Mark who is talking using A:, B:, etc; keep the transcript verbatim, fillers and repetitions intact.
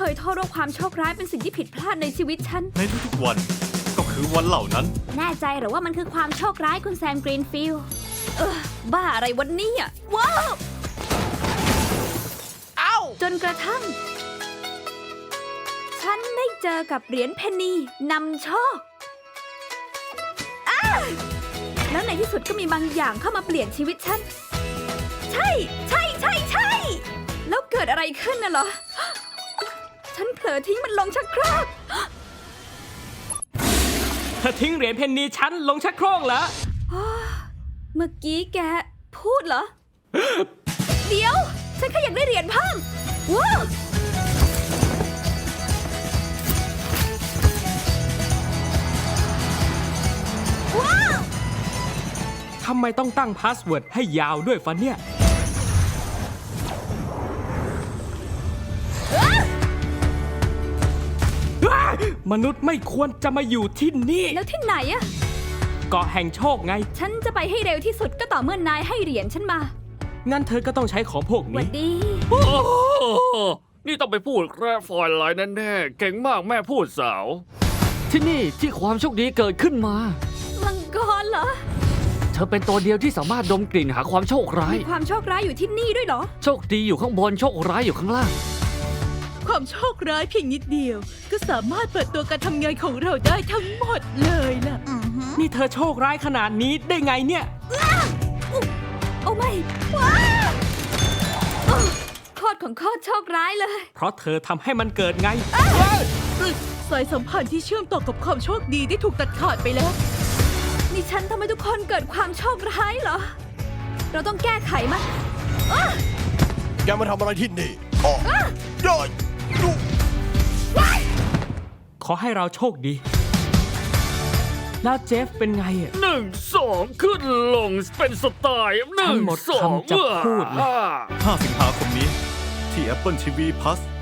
A: ยโทษว่าความโชคร้ายเป็นสิ่งที่ผิดพลาดในชีวิตฉัน
B: ในทุกๆวันก็คือวันเหล่านั้น
A: แน่ใจหรือว่ามันคือความโชคร้ายคุณแซมกรีนฟิลด์เออบ้าอะไรวันนี้อ่ะว้าว
C: เอ้า
A: จนกระทั่ง ฉันได้เจอกับเหรียญเพนนีนำโชคอ้าแล้วในที่สุดก็มีบางอย่างเข้ามาเปลี่ยนชีวิตฉัน ใช่ ใช่ใช่ใช่แล้วเกิดอะไรขึ้นน่ะเหรอ ฉันเผลอทิ้งมันลงชักโครก
D: เธอทิ้งเหรียญเพนนีฉันลงชักโครกเหรอ
A: เมื่อกี้แกพูดเหรอ เดี๋ยว ฉันแค่อยากได้เหรียญเพิ่มว้าวว้าว
D: ทำไมต้องตั้งพาสเวิร์ดให้ยาวด้วยฟันเนี่ย มนุษย์ไม่ควรจะมาอยู่ที่นี่
A: แล้วที่ไหนอะ
D: เกาะแห่งโชคไง
A: ฉันจะไปให้เร็วที่สุดก็ต่อเมื่อนายให้เหรียญฉันมา
D: งั้นเธอก็ต้องใช้ของพวก
A: หวั
D: นี้
A: ดดี
E: โอ้โหนี่ต้องไปพูดแกรฟอยไลน์แน่ๆเก่งมากแม่พูดสาว ที่นี่ที่ความโชคดีเกิดขึ้นมา
A: มังกรเหรอ
E: เธอเป็นตัวเดียวที่สามารถดมกลิ่นหาความโชคร้าย
A: มีความโชคร้ายอยู่ที่นี่ด้วยเหรอ
E: โชคดีอยู่ข้างบนโชคร้ายอยู่ข้างล่าง
F: ความโชคร้ายเพียงนิดเดียว ก็สามารถเปิดตัวการทำงานของเราได้ทั้งหมดเลยล่ะ
D: นี่เธอโชคร้ายขนาดนี้ได้ไงเนี่ย
A: โอ้ไม่ว้าวโอ้โคตรของโคตรโชคร้ายเลย
D: เพราะเธอทำให้มันเกิดไง
F: สายสัมพันธ์ที่เชื่อมต่อกับความโชคดีได้ถูกตัดขาดไปแล้ว
A: นี่ฉันทำให้ทุกคนเกิดความโชคร้ายเหรอ เราต้องแก้ไขมัน
C: แกมาทำอะไรที่นี่อ๋อย่อยดู
D: ขอให้เราโชคดี แล้วเจฟเป็นไงอะ
E: หนึ่งสองขึ้นลงเป็นสไตล์หนึ่
D: ทั้
E: ง
D: งหมด
E: สอง
D: คำจะพูดเลย
E: อ่า
B: ห้า สิงหาคมนี้ที่ Apple ที วี Plus